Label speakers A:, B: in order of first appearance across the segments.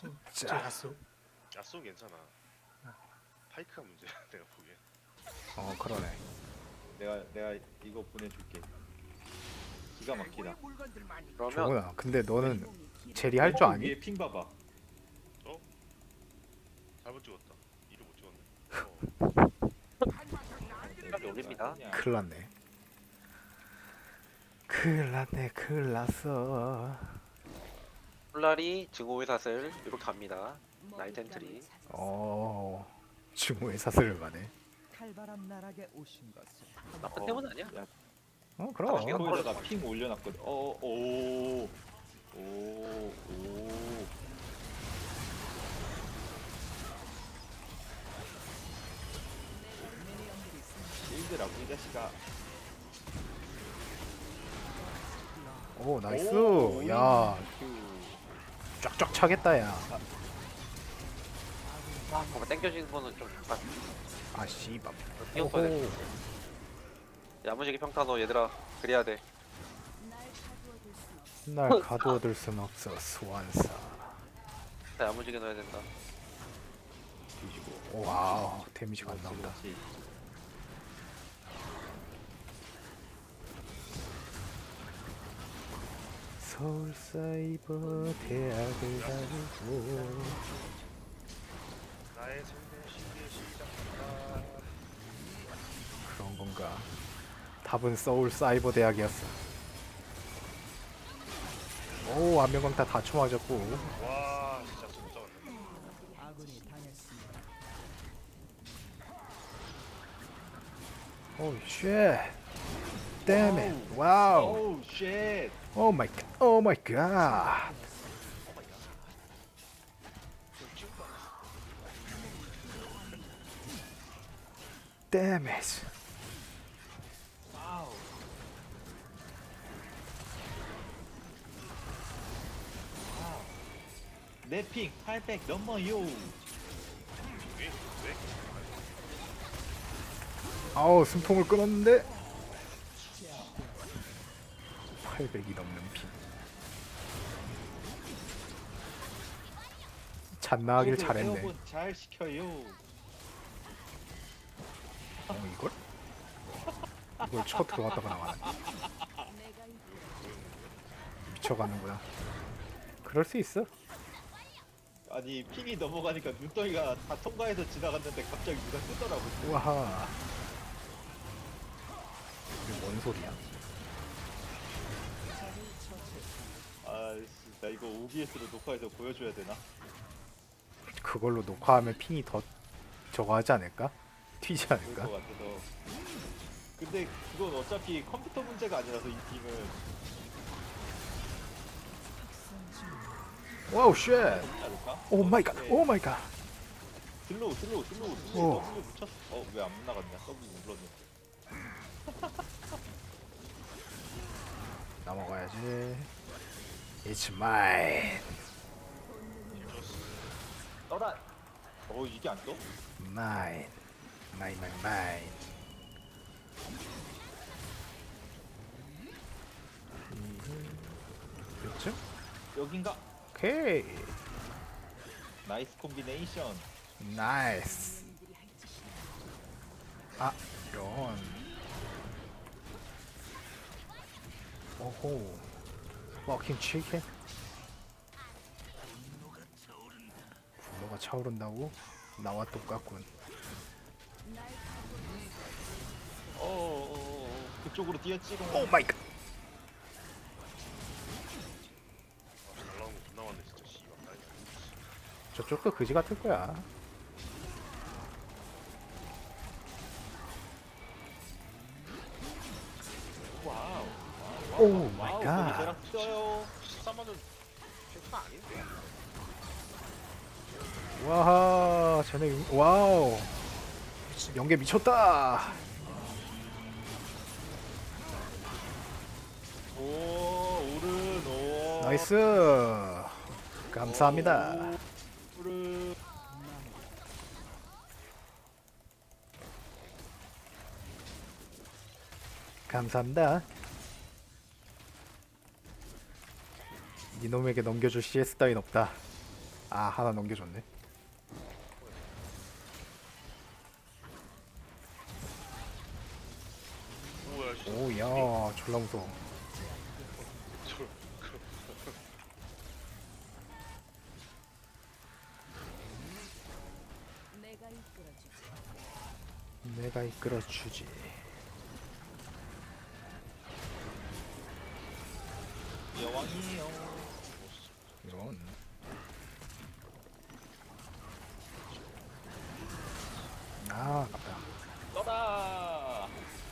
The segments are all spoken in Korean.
A: 자,
B: 야수.
C: 야쏘 괜찮아. 파이크가 문제야 내가 보기엔.
A: 그러네.
D: 내가 이거 보내줄게. 기가 막히다.
E: 그러면
A: 좋구나. 근데 너는 제리 할 줄 아니?
D: 위에 핑 봐봐.
C: 잘못 찍었다. 이를 못 찍었네.
E: 빨리 올립니다.
A: 큰일 났네. 큰일 났네. 큰일 났어.
E: 폴라리 증오의 사슬 이렇게 갑니다. 나이트 엔트리.
A: 증오의 사슬을 가네.
F: 칼바람 나락에 오신 것을
E: 나쁜 때문 아니야?
A: 그럼.
E: 당신이
D: 거기다가 핑 올려놨거든. 오. 일드라고 이 자식아.
A: 오, 나이스.
D: 오,
A: 야,
D: 그
A: 쫙쫙 차겠다, 야.
E: 뭔가 땡겨지는 거는 좀 약간
A: 아, 씨발.
E: 뛰었어야 돼. 야무지게 평타너 얘들아 그래야 돼.
A: 날 가두어둘 순 없어, 소환사.
E: 자, 야무지게 넣어야 된다.
D: 뒤지고.
A: 와우, 데미지가 안 나온다.
D: 그렇지.
A: 서울사이버 대학을 다니고
C: 나의 생명 시기의 시작이다.
A: 그런 건가? 답은 서울사이버 대학이었어. 오, 안면광타 다 쳐맞았고.
C: 와 진짜 진짜 왔네.
F: 아군이 당했습니다.
A: 오, 쉣. Damn it. 와우.
D: 오우 쉣.
A: 오 마이 갓. 오 마이 갓. Damn it.
D: 와우. 내핑 800 넘어요.
C: 왜?
A: 아우, 숨통을 끊었는데 800이 넘는 핀. 잔나하길 잘했네.
D: 에어본 잘 시켜요.
A: 이걸? 이걸 쳐 들어갔다가 나가네. 미쳐가는구나. 그럴 수 있어.
D: 아니 핑이 넘어가니까 눈덩이가 다 통과해서 지나갔는데 갑자기 누가 뜨더라고.
A: 우와하. 이게 뭔 소리야?
D: 아씨 나 이거 OBS로 녹화해서 보여줘야 되나?
A: 그걸로 녹화하면 핑이 더 저거 하지 않을까? 튀지
D: 그럴
A: 않을까?
D: 것 같아서. 근데 그건 어차피 컴퓨터 문제가 아니라서 이 핑은
A: 와우 쉣.
D: 그렇지 않을까?
A: 오 마이 갓. 오 마이 갓.
D: 슬로우
A: 오.
D: W 묻혔어. 왜 안 나갔냐? W 눌렀는데.
A: 넘어가야지. It's mine.
D: 떠라. 이게 안 떠?
A: Mine. Mine. 그렇죠?
D: 여긴가?
A: 오케이.
D: 나이스 콤비네이션.
A: 나이스. 아, 이런. 오호. 워킹 치킨. 분노가 차오른다고? 나와 똑같군.
D: 그쪽으로 뛰었지.
A: 오 마이 갓.
C: 잘 나온 거 존나 많네 진짜 씨발.
A: 저쪽도 그지 같을 거야.
D: 와우.
A: 오 마이
D: 와우,
A: 갓.
D: 거기 쟤랑 뛰어요.
C: 14만 원 팩파 아닌데.
A: 와하, 쟤네 와우. 연계 미쳤다.
D: 오른 오.
A: 나이스. 감사합니다.
D: 오른.
A: 감사합니다. 이놈에게 넘겨줄 CS 따윈 없다. 아 하나 넘겨줬네.
C: 오야 씨.
A: 오야 졸라 무서워.
C: 저-
B: 내가 이끌어주지.
A: 내가 이끌어주지.
D: 여왕이에요.
A: 이런. 아 아깝다.
D: 떠라.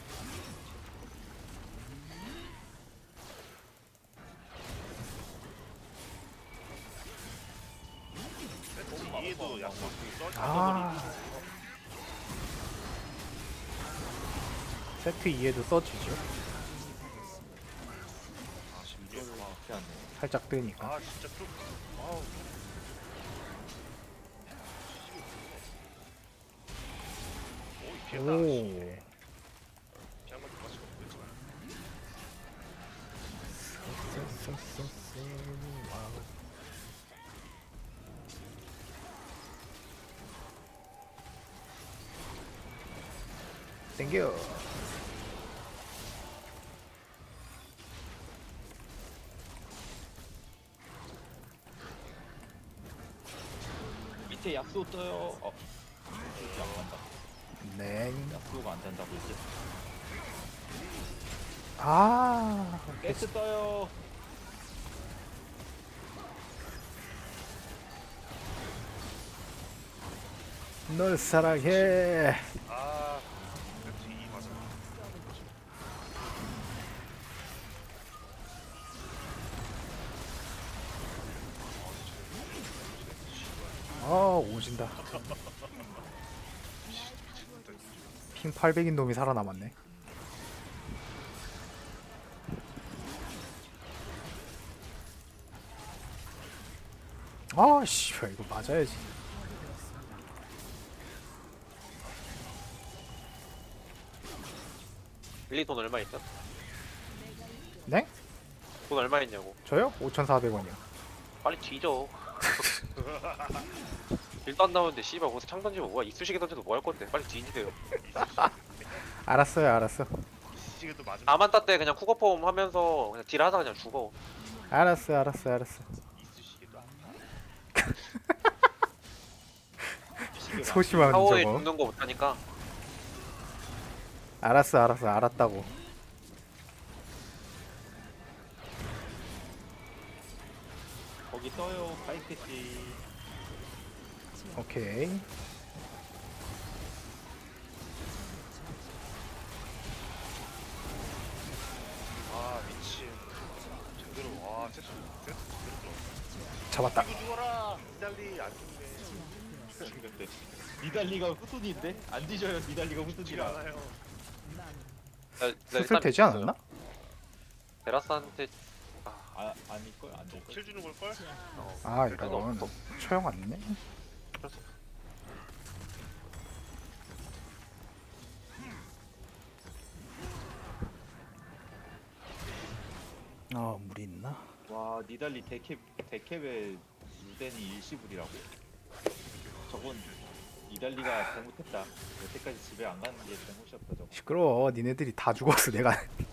C: 이해도 약속 썰
A: 아 세트 2에도 써지죠.
C: 아 심지어
D: 이거를
C: 와.
D: 이렇게 하네.
A: 살짝 뜨니까.
C: 아 진짜 좀 아우 오이 피했다
A: 오.
C: 피한 번 맞추고 그랬잖아.
A: 와우. 땡겨.
D: 밑에 약소 떠요. 이렇게 안 간다.
A: 네.
D: 약소가 안 된다고 이제.
A: 아
D: 가스 떠요.
A: 널 사랑해.
C: 아 뒤 맞아.
A: 아 오진다. 핑 800인 놈이 살아남았네. 아 씨발 이거 맞아야지.
E: 빌리 돈 얼마 있죠?
A: 네?
E: 돈 얼마 있냐고.
A: 저요? 5,400원이요.
E: 빨리 뒤져. 일도 안 나오는데 씨발 거기서 창 던지면 뭐야? 이쑤시개 던져도 뭐 할 건데? 빨리 뒤지세요.
A: 알았어요, 알았어.
C: 이시계도 맞으면
E: 나만 땄대 그냥 쿠거폼 하면서 그냥 딜하다 그냥 죽어.
A: 알았어, 알았어, 알았어.
C: 이쑤시개도 아파.
A: 소심한
E: 타워에
A: 저거.
E: 죽는 거 못하니까.
A: 알았어, 알았어, 알았다고.
D: 거기 떠요. 파이크지.
A: 오케이.
C: 아 미친. 제대로 와 세트 제대로 들어.
A: 잡았다.
C: 이거 죽어라. 이달리 안 죽네.
D: 근데 니달리가 후손인데 안 뒤져요. 니달리가
C: 죽지
D: 후손이라.
C: 않아요.
A: 수술 되지 않았나?
E: 베라스한테
D: 아닐걸? 안 될걸?
C: 킬 주는 걸 걸?
A: 아
E: 그래도
A: 이런.
E: 없어.
A: 처형 왔네. 아 물이 있나?
D: 와 니달리 데캡의 루덴이 일시불이라고? 저건 니달리가 잘못했다. 여태까지 집에 안 가는 게 잘못이었다 저거.
A: 시끄러워. 니네들이 다 죽었어. 내가.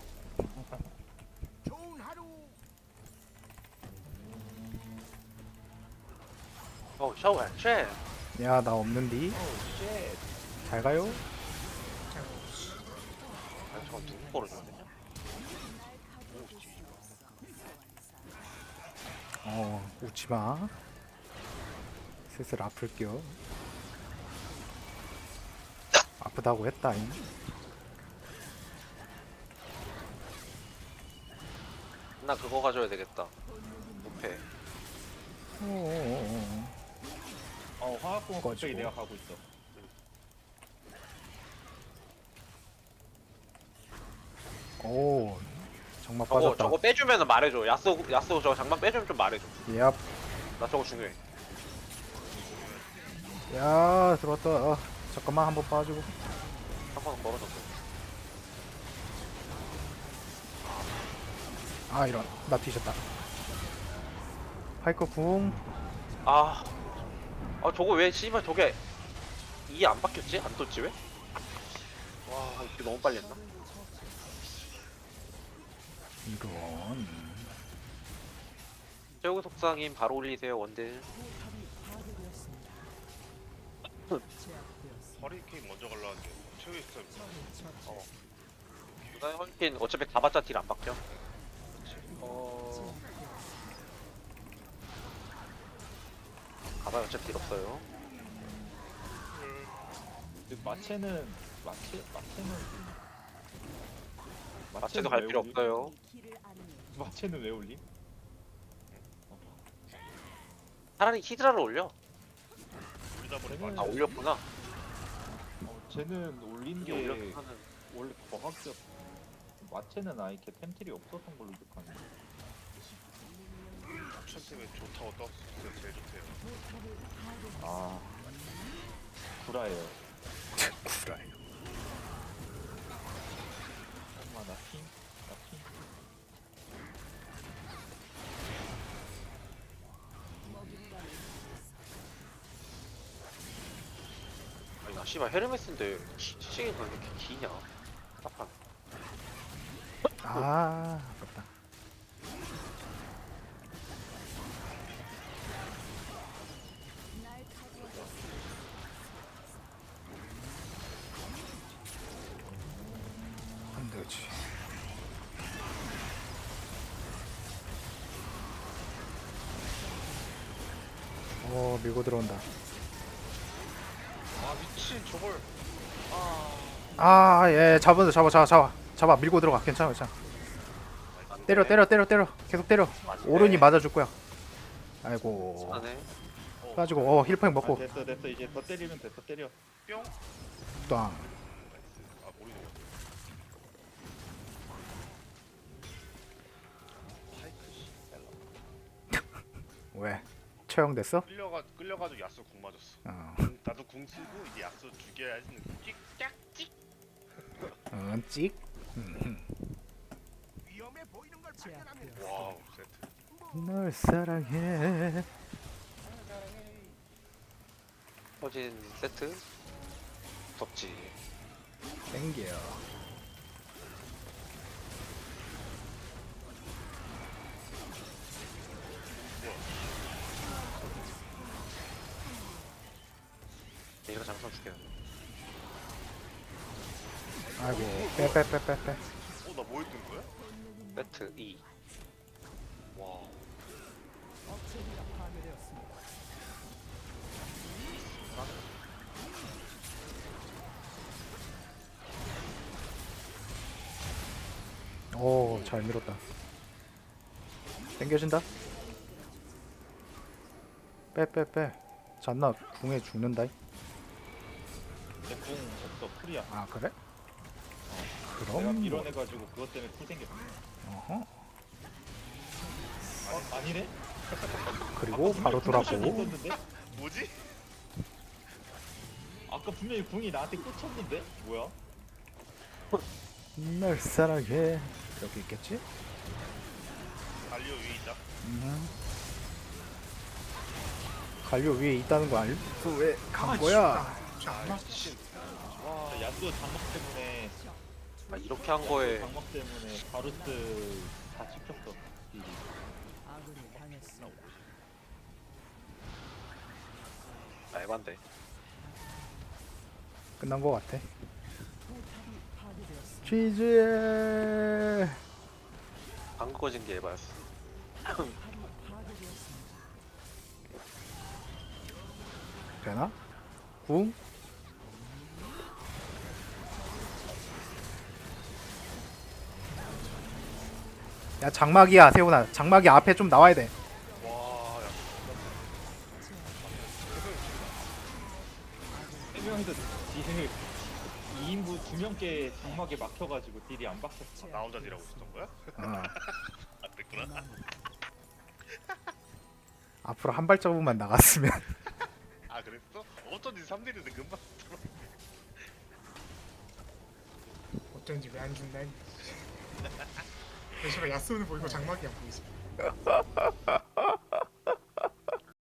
E: 샤워 쉣.
A: 야 나 없는디.
D: 오 쉣.
A: 잘 가요.
E: 아 저거 누구 거로 줘야 되냐?
A: 웃지 마. 슬슬 아플게요. 아프다고 했다잉.
E: 나 그거 가져야 되겠다. 무패.
D: 화학공학 갑자기
A: 꺼지고.
D: 내가 가고 있어.
A: 오 정말
E: 저거
A: 빠졌다.
E: 저거 빼주면은 말해줘. 야스 저거 장만 빼주면 좀 말해줘.
A: 야,
E: 나 저거 중요해.
A: 야 들어왔다. 잠깐만 한번 빠지고.
E: 한 번은 멀어졌어.
A: 아 이런 나 뒤졌다. 파이커 궁.
E: 아 아 저거 왜 씨발 저게 이 안 바뀌었지? 안 떴지 왜? 와 이게 너무 빨리 했나?
A: 이런.
E: 최고 속상임 바로 올리세요 원딜.
F: 포탑이 파괴되었습니다. 제압되었습니다.
C: 허리케인 먼저 갈라는데 최후의 스타일.
F: 적을 처치.
E: 누나 헐킨 어차피 가봤자 딜 안 바뀌어. 가봐야 어차피 딜 없어요.
D: 마체는
E: 마체도 갈
D: 왜
E: 필요
D: 올림?
E: 없어요.
B: 길을 안내.
D: 마체는 왜 올림?
E: 차라리 히드라를 올려.
C: 우리다 보니
D: 쟤는-
E: 아 올렸구나.
D: 쟤는 올린
E: 이게
D: 게
E: 올렸구나는.
D: 원래 과학적 마체는 아예 걔 템틀이 없었던 걸로 기억하는데.
C: 추천 때문에 좋다고 떴어요. 제일 좋대요.
D: 아 구라예요.
A: 구라요.
D: 엄마 나 핑?
E: 아니 나 씨발 헤르메스인데 시계가 왜 이렇게 기냐? 딱한.
A: 아, 아깝다.
B: 날 가두어.
A: 안 되지. 밀고 들어온다.
C: 아 미친 저걸.
A: 아, 예, 잡아. 밀고 들어가. 괜찮아. 때려. 계속 때려. 오른이 맞아줄 거야. 아이고.
E: 하네.
A: 가지고 힐팩 먹고
D: 됐어 이제 더 때리면 돼. 더 때려.
C: 뿅.
A: 땅.
C: 아 머리 넘어. 파이크 씨.
A: 왜? 처형됐어?
C: 끌려가지고 야수 궁 맞았어. 나도 궁 쓰고 이제 야수 죽여야지. 찍.
A: 찍.
F: 제압되었습니다.
C: 와우 세트.
A: 널 사랑해.
E: 허진 세트. 무섭지.
A: 땡겨.
E: 얘가 장선 죽여.
A: 아이고. 빼.
C: 나 뭐 했던 거야?
E: 세트 2.
C: 와.
F: 업체가 파괴되었습니다.
A: 오, 잘 밀었다. 땡겨진다. 빼. 잔나 궁에 죽는다.
D: 내궁 없어 풀이야.
A: 아, 그래?
D: 내가
A: 그럼 뭐.
D: 밀어내가지고 그것 때문에 풀 생겼어.
A: 어허.
D: 아니네?
A: 그리고 바로
D: 분명히
A: 돌아보고.
D: 있었는데?
C: 뭐지?
D: 아까 분명히 궁이 나한테 꽂혔는데? 뭐야?
A: 널 사랑해. 여기 있겠지?
C: 갈리오 위에 있다.
A: 갈리오 위에 있다는 거 알고 왜간 거야?
C: 아 미친.
D: 와 야수 장막 때문에
E: 아 이렇게 한 거에
D: 장막 때문에 바루스 다 찍혔어. 딜이.
F: 아군이 당했습니다.
E: 말반대.
A: 끝난 거 같아.
F: 포탑이 파괴되었습니다.
A: 취지에
E: 방금 꺼진 게 에바였어.
F: 포탑이 파괴되었습니다.
A: 되나? 궁? 야, 장막이야, 세훈아. 장막이 앞에 좀 나와야 돼.
C: 와. 야.
D: 세 명이서 딜을 2인분 2명께 장막에 막혀가지고 딜이 안 박혔어.
C: 나 혼자 딜하고 있었던 거야?
A: 어.
C: 안 됐구나.
A: 앞으로 한 발자국만 나갔으면.
C: 아 그랬어? 어쩐지 3딜인데 금방.
G: 어쩐지 왜 안 준다. 그래서 야스오는 보이고 장막이 안 보이지.